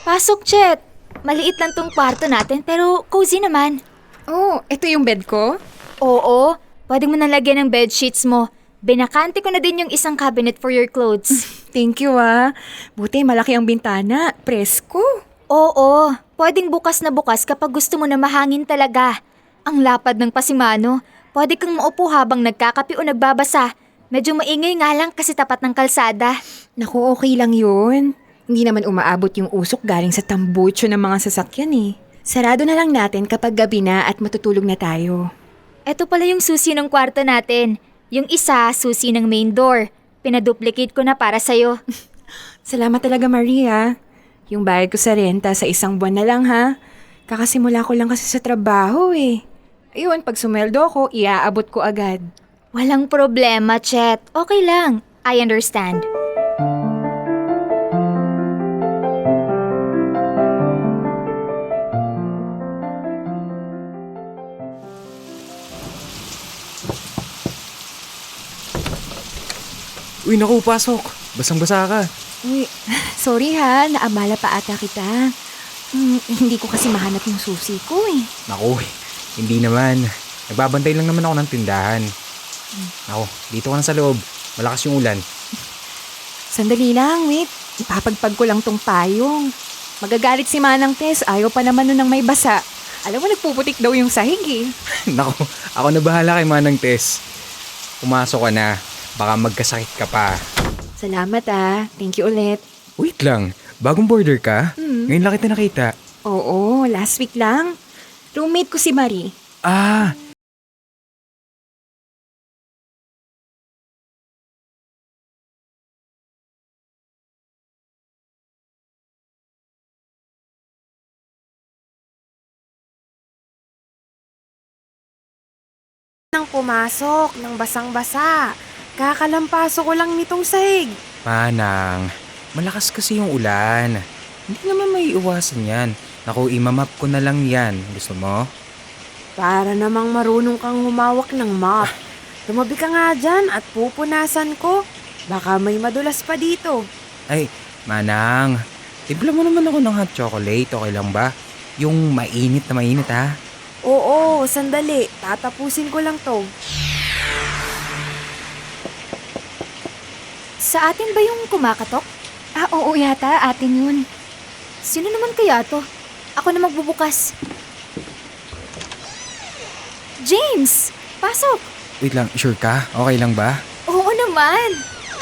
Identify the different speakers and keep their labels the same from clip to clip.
Speaker 1: Pasok, Chet. Maliit lang tong kwarto natin pero cozy naman.
Speaker 2: Oh, ito yung bed ko?
Speaker 1: Oo, pwede mo nalagyan ng bedsheets mo. Binakante ko na din yung isang cabinet for your clothes.
Speaker 2: Thank you Buti malaki ang bintana. Presko.
Speaker 1: Oo, pwedeng bukas na bukas kapag gusto mo na mahangin talaga. Ang lapad ng pasimano. Pwede kang maupo habang nagkakape o nagbabasa. Medyo maingay nga lang kasi tapat ng kalsada.
Speaker 2: Naku, okay lang yun. Hindi naman umaabot yung usok galing sa tambucho ng mga sasakyan eh. Sarado na lang natin kapag gabi na at matutulog na tayo.
Speaker 1: Eto pala yung susi ng kwarto natin. Yung isa, susi ng main door. Pinaduplicate ko na para sa'yo.
Speaker 2: Salamat talaga Maria. Yung bayad ko sa renta sa isang buwan na lang ha. Kakasimula ko lang kasi sa trabaho eh. Ayun, pag sumeldo ko, iaabot ko agad.
Speaker 1: Walang problema, Chet. Okay lang. I understand.
Speaker 3: Uy, naku, pasok. Basang-basa ka.
Speaker 2: Uy, sorry ha, naabala pa ata kita. Hindi ko kasi mahanap yung susi ko eh.
Speaker 3: Naku, hindi naman. Nagbabantay lang naman ako ng tindahan. Naku, dito ka na sa loob. Malakas yung ulan.
Speaker 2: Sandali lang, wait. Ipapagpag ko lang tong payong. Magagalit si Manang Tess, ayaw pa naman nun ng may basa. Alam mo, nagpuputik daw yung sahig eh.
Speaker 3: Naku, ako na bahala kay Manang Tess. Pumasok ka na. Baka magkasakit ka pa.
Speaker 2: Salamat thank you ulit.
Speaker 3: Wait lang, bagong border ka? Ngayon lang kita nakita.
Speaker 2: Oo, last week lang. Roommate ko si Marie.
Speaker 3: Ah,
Speaker 4: Nang pumasok, nang basang-basa. Kakalampaso ko lang nitong sahig.
Speaker 3: Manang. Malakas kasi yung ulan. Hindi naman may iwasan yan. Naku, imamap ko na lang yan. Gusto mo?
Speaker 4: Para namang marunong kang humawak ng mop. Tumabi ka nga dyan at pupunasan ko. Baka may madulas pa dito.
Speaker 3: Ay, Manang. Timpla mo naman ako ng hot chocolate. Okay lang ba? Yung mainit na mainit ha?
Speaker 4: Oo, sandali. Tatapusin ko lang to.
Speaker 1: Sa atin ba yung kumakatok?
Speaker 2: Oo yata, atin yun.
Speaker 1: Sino naman kaya to? Ako na magbubukas. James! Pasok!
Speaker 3: Wait lang, sure ka? Okay lang ba?
Speaker 1: Oo naman!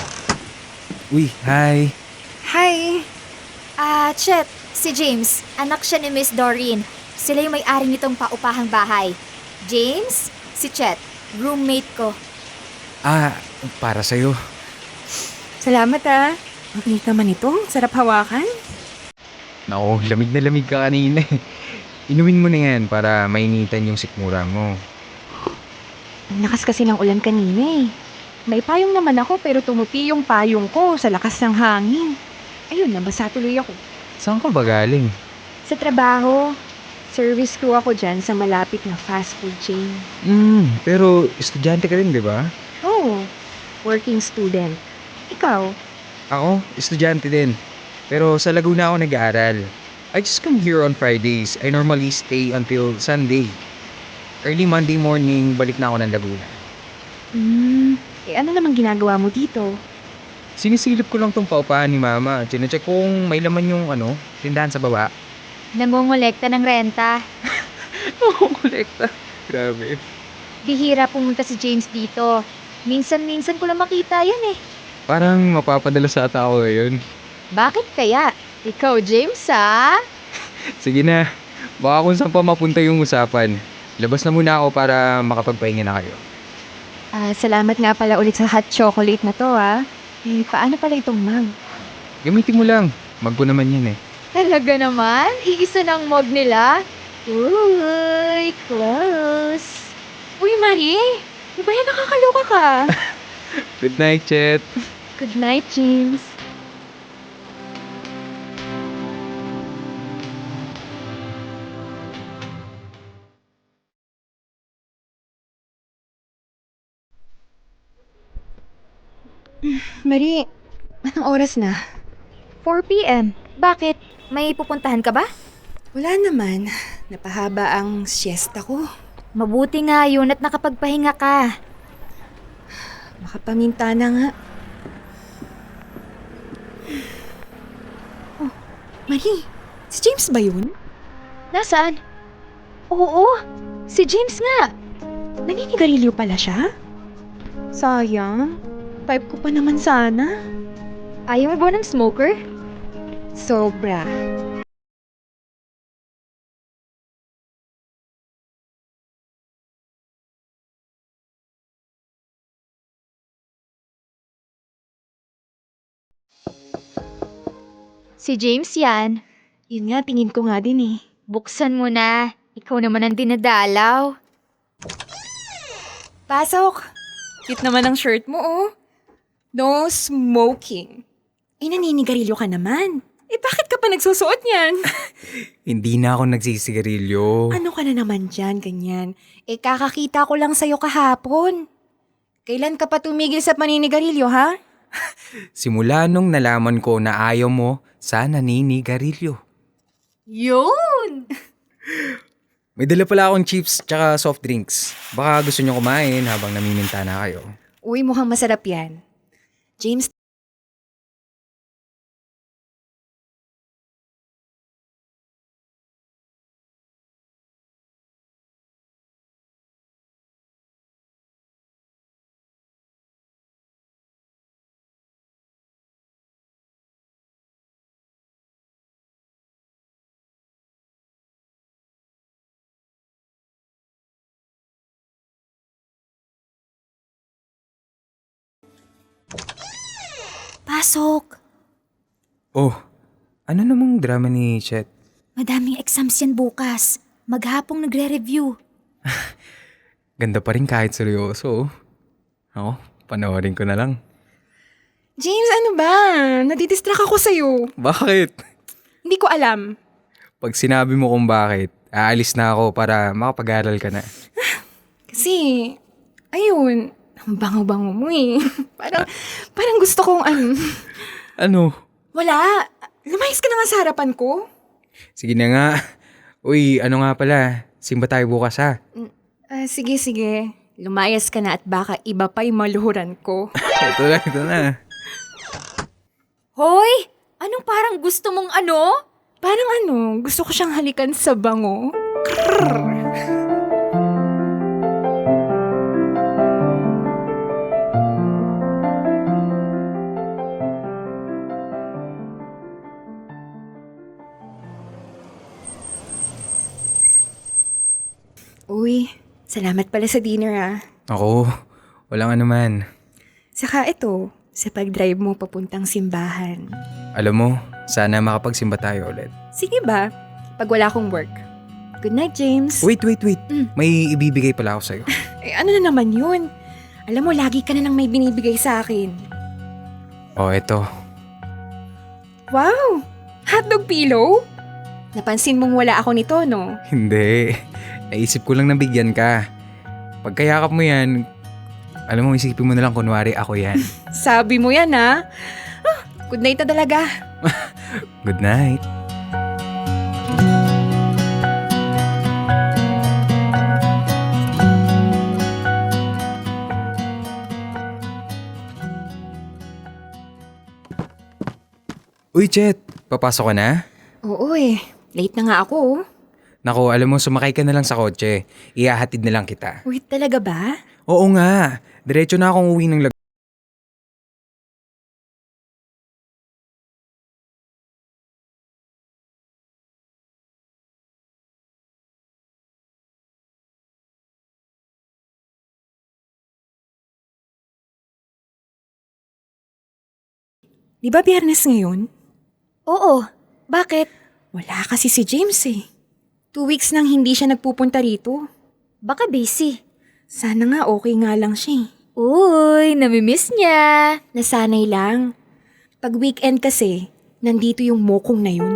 Speaker 3: Uy, hi.
Speaker 2: Hi!
Speaker 1: Chet, si James. Anak siya ni Miss Doreen. Sila yung may-ari nitong paupahang bahay. James, si Chet. Roommate ko.
Speaker 3: Para sa'yo.
Speaker 2: Salamat Ang init naman ito, sarap hawakan.
Speaker 3: Naku, lamig na lamig ka kanina eh. Inumin mo na yan para mainitan yung sikmura mo.
Speaker 2: Ang lakas kasi ng ulan kanina eh. May payong naman ako pero tumupi yung payong ko sa lakas ng hangin. Ayun, nabasa tuloy ako.
Speaker 3: Saan ka ba galing?
Speaker 2: Sa trabaho, service crew ako dyan sa malapit na fast food chain.
Speaker 3: Pero estudyante ka rin, di ba?
Speaker 2: Oh, working student. Ikaw?
Speaker 3: Ako, estudyante din. Pero sa Laguna ako nag-aaral. I just come here on Fridays. I normally stay until Sunday. Early Monday morning, balik na ako ng Laguna.
Speaker 2: Ano namang ginagawa mo dito?
Speaker 3: Sinisilip ko lang tong paupahan ni Mama. Chinecheck ko kung may laman yung tindahan sa baba.
Speaker 1: Nangongolekta ng renta.
Speaker 3: Kolekta. Grabe.
Speaker 1: Bihira pumunta si James dito. Minsan-minsan ko lang makita yan eh.
Speaker 3: Parang mapapadala sa ata ako ngayon.
Speaker 1: Bakit kaya? Ikaw, James, ha?
Speaker 3: Sige na. Baka kung saan pa mapunta yung usapan. Labas na muna ako para makapagpahinga na kayo.
Speaker 2: Salamat nga pala ulit sa hot chocolate na to paano pala itong mug?
Speaker 3: Gamitin mo lang. Mag ko naman yan eh.
Speaker 1: Talaga naman? Iisa ng mug nila? Uy, close.
Speaker 2: Uy, Marie! Di ba yan nakakaloka ka?
Speaker 3: Good night, Chet.
Speaker 2: Good night, James. Marie, anong oras na?
Speaker 1: 4 p.m. Bakit? May pupuntahan ka ba?
Speaker 2: Wala naman. Napahaba ang siesta ko.
Speaker 1: Mabuti nga yun at nakapagpahinga ka.
Speaker 2: Makapaminta na nga. Oh, Marie, si James ba yun?
Speaker 1: Nasaan? Oo, si James nga.
Speaker 2: Naninigarilyo pala siya? Sayang. Type ko pa naman sana.
Speaker 1: Ayaw mo ba ng smoker?
Speaker 2: Sobra.
Speaker 1: Si James yan.
Speaker 2: Yun nga, tingin ko nga din eh.
Speaker 1: Buksan mo na. Ikaw naman ang dinadalaw.
Speaker 2: Pasok! Cute naman ang shirt mo, oh. No smoking. Eh, naninigarilyo ka naman. Eh, bakit ka pa nagsusuot niyan?
Speaker 3: Hindi na ako nagsisigarilyo.
Speaker 2: Ano ka na naman dyan, ganyan? Eh, kakakita ko lang sa'yo kahapon. Kailan ka pa tumigil sa paninigarilyo, ha?
Speaker 3: Simula nung nalaman ko na ayaw mo sa naninigarilyo.
Speaker 1: Yun!
Speaker 3: May dala pala akong chips tsaka soft drinks. Baka gusto nyo kumain habang namiminta na kayo.
Speaker 2: Uy, mukhang masarap yan. James,
Speaker 1: Pasok.
Speaker 3: Oh, ano namang drama ni Chet?
Speaker 1: Madaming exams yan bukas. Maghapong nagre-review.
Speaker 3: Ganda pa rin kahit seryoso. Ako, panoorin ko na lang.
Speaker 2: James, ano ba? Nadidistract ako sa'yo.
Speaker 3: Bakit?
Speaker 2: Hindi ko alam.
Speaker 3: Pag sinabi mo kung bakit, aalis na ako para makapag-aral ka na.
Speaker 2: Kasi, ayun, ang bango-bango mo eh. parang gusto kong
Speaker 3: Ano?
Speaker 2: wala. Lumayas ka na nga sa harapan ko.
Speaker 3: Sige na nga. Uy, ano nga pala? Simba tayo bukas ha?
Speaker 2: Sige. Lumayas ka na at baka iba pa yung maluhuran ko.
Speaker 3: Ito na.
Speaker 1: Hoy! Anong parang gusto mong ano?
Speaker 2: Parang gusto ko siyang halikan sa bango. Uy, salamat pala sa dinner ah.
Speaker 3: Ako, walang anuman.
Speaker 2: Saka ito, sa pag-drive mo papuntang simbahan.
Speaker 3: Alam mo, sana makapagsimba tayo ulit.
Speaker 2: Sige ba? Pag wala akong work. Good night, James.
Speaker 3: Wait. May ibibigay pala ako sa'yo.
Speaker 2: Eh, ano na naman yun? Alam mo, lagi ka na lang may binibigay sa akin.
Speaker 3: Oh, eto.
Speaker 2: Wow! Hotdog pillow? Napansin mong wala ako nito, no?
Speaker 3: Hindi. Naisip ko lang na bigyan ka. Pagkayakap mo yan, alam mo, isipin mo na lang kunwari ako yan.
Speaker 2: Sabi mo yan, ha? Good night na talaga.
Speaker 3: Good night. Uy, Chet! Papasok ka na?
Speaker 2: Oo eh. Late na nga ako. Oh.
Speaker 3: Naku, alam mo, sumakay ka na lang sa kotse. Ihahatid na lang kita.
Speaker 2: Wait, talaga ba?
Speaker 3: Oo nga. Diretso na akong uwi ng
Speaker 2: Di ba biyernes ngayon?
Speaker 1: Oo. Bakit?
Speaker 2: Wala kasi si James eh. 2 weeks nang hindi siya nagpupunta rito.
Speaker 1: Baka busy.
Speaker 2: Sana nga okay nga lang siya eh.
Speaker 1: Uy, namimiss niya.
Speaker 2: Nasanay lang. Pag weekend kasi, nandito yung mokong na yun.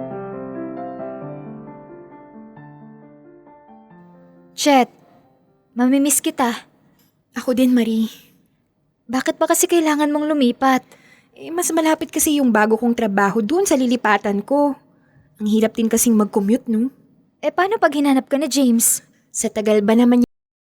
Speaker 1: Chet, Mamimiss kita.
Speaker 2: Ako din, Marie.
Speaker 1: Bakit pa kasi kailangan mong lumipat?
Speaker 2: Mas malapit kasi yung bago kong trabaho doon sa lilipatan ko. Ang hirap din kasing mag-commute, no?
Speaker 1: Paano pag hinanap ka na James?
Speaker 2: Sa tagal ba naman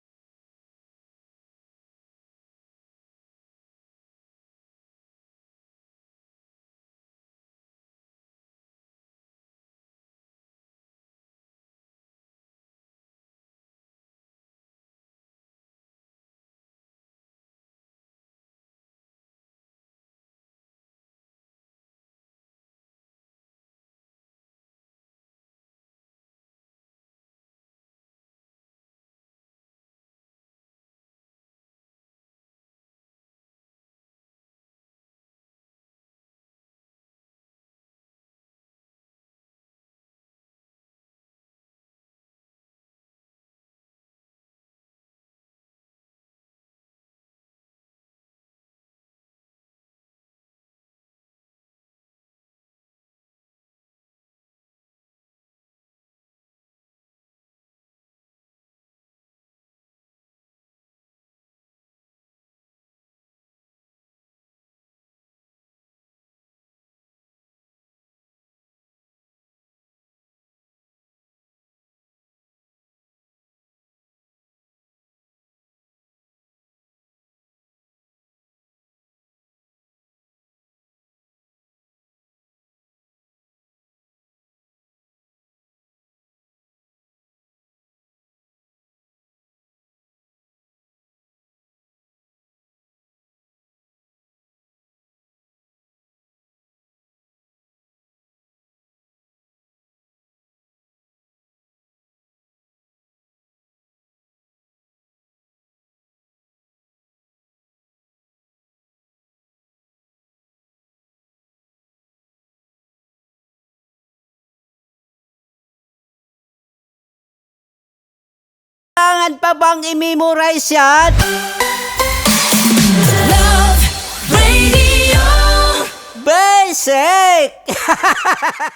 Speaker 5: Kailangan pa bang i-memorize yan?
Speaker 6: Love Radio.
Speaker 5: Basic!